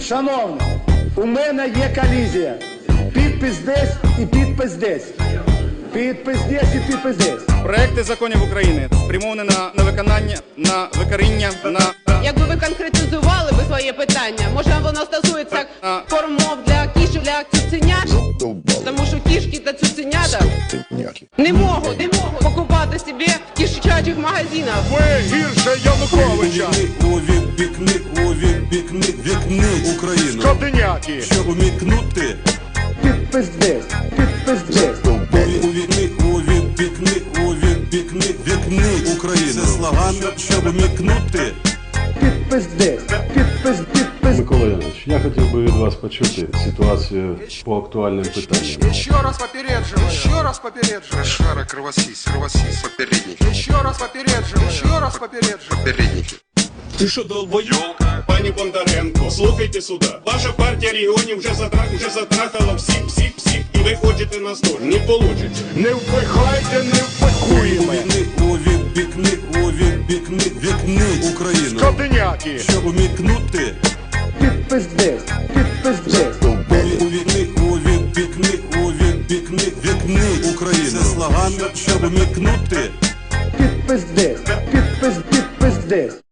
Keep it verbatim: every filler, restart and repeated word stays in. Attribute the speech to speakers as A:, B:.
A: Шановні, у мене є колізія. Підпис десь і підпис десь. Підпис десь і підпис десь.
B: Проекти законів України спрямовані на, на виконання, на викоріння, на...
C: Якби ви конкретизували би своє питання, може воно стосується кормов для кішок, для цуценят? Тому що кішки та цуценята не можуть, не можуть покупати собі в кішачих магазинах.
D: Ви гірше Януковича.
E: Увікни, увікни, вікни Україну.
D: Скотиняки.
E: Щоб умікнути.
A: Підпис десь, підпис десь.
E: Увікни, увікни, увікни, вікни Україну. Це слоган, щоб умікнути.
A: Підпис десь, підпис, підпис.
F: Микола Янович, я хотів би від вас почути ситуацію по актуальним питанням.
G: Еще раз попереджу, еще раз попереджу.
H: Шара, кровосись, кровосись, попередники.
G: Еще раз попереджу, еще раз попереджу.
H: Попередники.
I: Ти що, долбойок? Пані Бондаренко, слухайте сюди. Ваша партія регіонів вже затра... вже затрахала всіх, всіх, всіх. І ви хочете нас теж. Не получите.
D: Не впихайте, не впихуємо.
E: Увікни, увікни, увікни, вікни Україну.
D: Скотиняки.
E: Щоб умікнути.
A: Підпис десь, підпис десь.
E: Увікни, увікни, увікни, вікни Україну. Це слоган, щоб умікнути.
A: Підпис десь, підпис, підпис десь.